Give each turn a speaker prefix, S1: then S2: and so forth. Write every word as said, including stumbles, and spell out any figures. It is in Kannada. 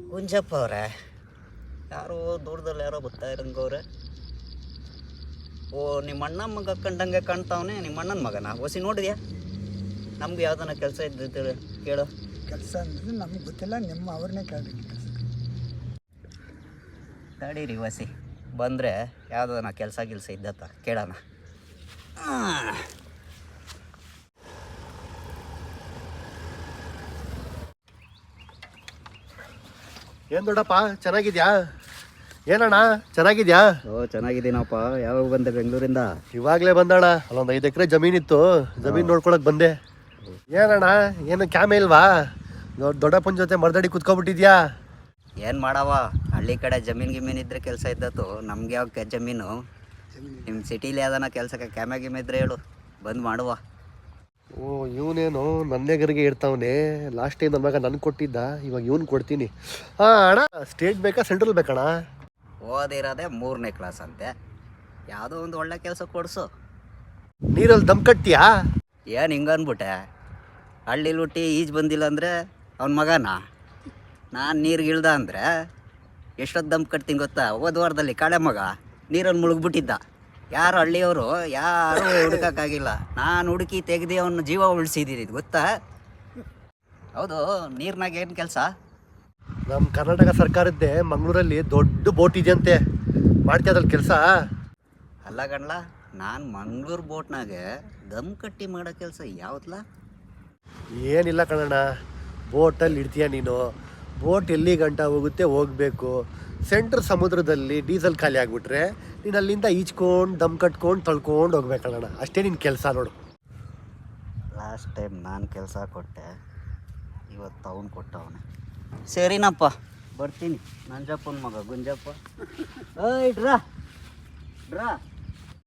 S1: ಗುಂಜಪ್ಪ ಅವರೇ, ಯಾರೋ ದೂರದಲ್ಲಿ ಯಾರೋ ಬರ್ತಾ ಇರಂಗವ್ರೆ. ಓ, ನಿಮ್ಮ ಅಣ್ಣ ಮಗ ಕಂಡಂಗೆ ಕಾಣ್ತಾವನೆ. ನಿಮ್ಮ ಅಣ್ಣನ ಮಗನ ಹೊಸಿ ನೋಡಿದ್ಯಾ? ನಮ್ಗೆ ಯಾವ್ದನ ಕೆಲಸ ಇದ್ದಿತ್ತು ಕೇಳು.
S2: ಕೆಲಸ ಅಂದರೆ ನಮ್ಗೆ ಗೊತ್ತಿಲ್ಲ, ನಿಮ್ಮ ಅವ್ರನ್ನೇ ಕೇಳಬೇಕು.
S1: ತಡೀರಿ ಹೊಸಿ ಬಂದರೆ ಯಾವ್ದನ ಕೆಲಸ ಗಿಲ್ಸ ಇದ್ದತ್ತ ಕೇಳೋಣ.
S3: ಏನು ದೊಡ್ಡಪ್ಪ, ಚೆನ್ನಾಗಿದ್ಯಾ? ಏನಣ್ಣ ಚೆನ್ನಾಗಿದ್ಯಾ?
S1: ಓ, ಚೆನ್ನಾಗಿದ್ದೀನಪ್ಪ. ಯಾವಾಗ ಬಂದೆ ಬೆಂಗಳೂರಿಂದ?
S3: ಇವಾಗಲೇ ಬಂದಣ್ಣ. ಅಲ್ಲೊಂದು ಐದು ಎಕರೆ ಜಮೀನಿತ್ತು, ಜಮೀನು ನೋಡ್ಕೊಳಕ್ ಬಂದೆ. ಏನಣ್ಣ, ಏನು ಕ್ಯಾಮೆ ಇಲ್ವಾ? ದೊಡ್ಡಪ್ಪನ ಜೊತೆ ಮರ್ದಡಿ ಕುತ್ಕೊಬಿಟ್ಟಿದ್ಯಾ?
S1: ಏನು ಮಾಡವ, ಹಳ್ಳಿ ಕಡೆ ಜಮೀನು ಗಿಮೀನು ಇದ್ರೆ ಕೆಲಸ ಇದ್ದತ್ತು. ನಮ್ಗೆ ಯಾವ ಜಮೀನು? ನಿಮ್ಮ ಸಿಟೀಲಿ ಯಾವ್ದಾನ ಕೆಲಸಕ್ಕೆ ಕ್ಯಾಮೆ ಗಿಮೆ ಇದ್ರೆ ಹೇಳು, ಬಂದು ಮಾಡುವ.
S3: ಓ, ಇವನೇನು ನನ್ನೆಗರಿಗೆ ಇರ್ತಾವನೆ. ಲಾಸ್ಟ್ ಟೈಮ್ ನನ್ನ ಮಗ ನನ್ಗೆ ಕೊಟ್ಟಿದ್ದ, ಇವಾಗ ಇವ್ನು ಕೊಡ್ತೀನಿ. ಹಾಂ ಅಣ್ಣ, ಸ್ಟೇಟ್ ಬೇಕಾ ಸೆಂಟ್ರಲ್ ಬೇಕಣ್ಣ?
S1: ಓದಿರೋದೆ ಮೂರನೇ ಕ್ಲಾಸ್ ಅಂತೆ. ಯಾವುದೋ ಒಂದು ಒಳ್ಳೆ ಕೆಲಸ ಕೊಡಿಸು.
S3: ನೀರಲ್ಲಿ ದಮ್ ಕಟ್ತೀಯಾ?
S1: ಏನು ಹಿಂಗನ್ಬಿಟ್ಟೆ? ಹಳ್ಳಿಲಿ ಹುಟ್ಟಿ ಈಜು ಬಂದಿಲ್ಲ ಅಂದರೆ ಅವನ ಮಗನ ನಾನು ನೀರಿಗೆ ಇಳ್ದ ಅಂದರೆ ಎಷ್ಟೊತ್ತು ದಮ್ ಕಟ್ತೀನಿ ಗೊತ್ತಾ? ಹೋದ ವಾರದಲ್ಲಿ ಕಾಳೆ ಮಗ ನೀರಲ್ಲಿ ಮುಳುಗ್ಬಿಟ್ಟಿದ್ದ. ಯಾರು ಹಳ್ಳಿಯವರು ಯಾರೂ ಹುಡುಕೋಕ್ಕಾಗಿಲ್ಲ. ನಾನು ಹುಡುಕಿ ತೆಗೆದು ಅವನ ಜೀವ ಉಳಿಸಿದ್ದೀನಿ, ಗೊತ್ತಾ? ಹೌದು, ನೀರಿನಾಗ ಏನು ಕೆಲಸ?
S3: ನಮ್ಮ ಕರ್ನಾಟಕ ಸರ್ಕಾರದ್ದೇ ಮಂಗಳೂರಲ್ಲಿ ದೊಡ್ಡ ಬೋಟ್ ಇದೆಯಂತೆ, ಮಾಡ್ತೀಯ ಅದ್ರಲ್ಲಿ ಕೆಲಸ?
S1: ಅಲ್ಲ ಗಣ್ಲ, ನಾನು ಮಂಗಳೂರು ಬೋಟ್ನಾಗೆ ದಮ್ ಕಟ್ಟಿ ಮಾಡೋ ಕೆಲಸ ಯಾವ್ದಲ್ಲ?
S3: ಏನಿಲ್ಲ ಕಣಣ್ಣ, ಬೋಟಲ್ಲಿ ಇಡ್ತೀಯ ನೀನು. ಬೋಟ್ ಎಲ್ಲಿ ಗಂಟ ಹೋಗುತ್ತೆ ಹೋಗಬೇಕು. ಸೆಂಟ್ರ್ ಸಮುದ್ರದಲ್ಲಿ ಡೀಸೆಲ್ ಖಾಲಿ ಆಗಿಬಿಟ್ರೆ ನೀನು ಅಲ್ಲಿಂದ ಈಚ್ಕೊಂಡು ದಮ್ ಕಟ್ಕೊಂಡು ತಳ್ಕೊಂಡು ಹೋಗ್ಬೇಕಣ್ಣ. ಅಷ್ಟೇ ನಿನ್ನ ಕೆಲಸ ನೋಡು.
S1: ಲಾಸ್ಟ್ ಟೈಮ್ ನಾನು ಕೆಲಸ ಕೊಟ್ಟೆ, ಇವತ್ತು ಅವನು ಕೊಟ್ಟವನೆ. ಸರಿನಪ್ಪ, ಬರ್ತೀನಿ. ನಂಜಪ್ಪನ ಮಗ ಗುಂಜಪ್ಪ. ಏಯ್ ಡ್ರಾ ಡ್ರಾ